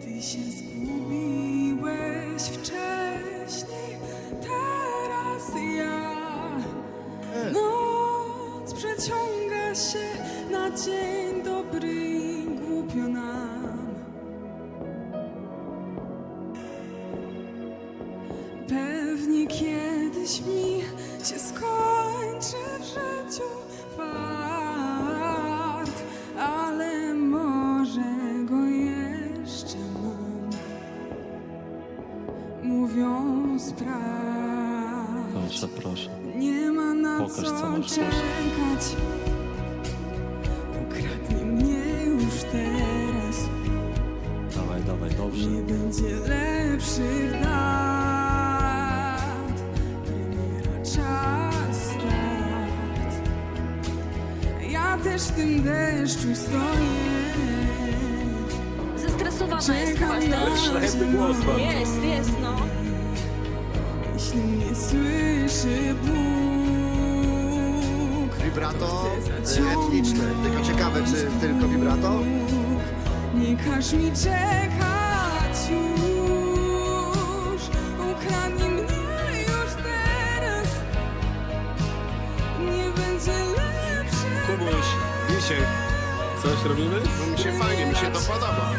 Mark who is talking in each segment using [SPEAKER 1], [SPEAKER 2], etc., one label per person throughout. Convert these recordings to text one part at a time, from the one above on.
[SPEAKER 1] Ty się zgubiłeś wcześniej, teraz ja. Noc przeciąga się na dzień dobry i głupio nam. Pewnie kiedyś mi się skończy w życiu fart, ale może go jeszcze mam. Mówią sprawdź,
[SPEAKER 2] Proszę.
[SPEAKER 1] nie ma na
[SPEAKER 2] Pokaż, co
[SPEAKER 1] co
[SPEAKER 2] masz,
[SPEAKER 1] czekać. Ukradnij mnie już teraz.
[SPEAKER 2] Dawaj, dobrze.
[SPEAKER 1] Nie będzie lepszych dat. Premiera, czas, start. Ja też w tym deszczu stoję.
[SPEAKER 3] Zestresowana jest chyba
[SPEAKER 1] Czekam na
[SPEAKER 3] strasznie.
[SPEAKER 2] głos bardzo.
[SPEAKER 3] Jest, no.
[SPEAKER 1] Jeśli mnie słyszy Bóg.
[SPEAKER 4] Wibrato etniczne. Tylko ciekawe, czy tylko wibrato?
[SPEAKER 1] Nie każ mi czekać już. Ukradnij mnie już teraz. Nie będzie lepszy.
[SPEAKER 5] Kubuś, Misiek, coś robimy?
[SPEAKER 4] No mi się fajnie, mi się to podoba.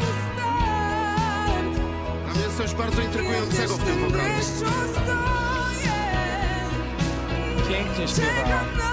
[SPEAKER 4] Tam jest coś bardzo intrygującego w tym wokalu.
[SPEAKER 1] Deszczu stoję.
[SPEAKER 6] Pięknie śpiewa.
[SPEAKER 1] Czekam na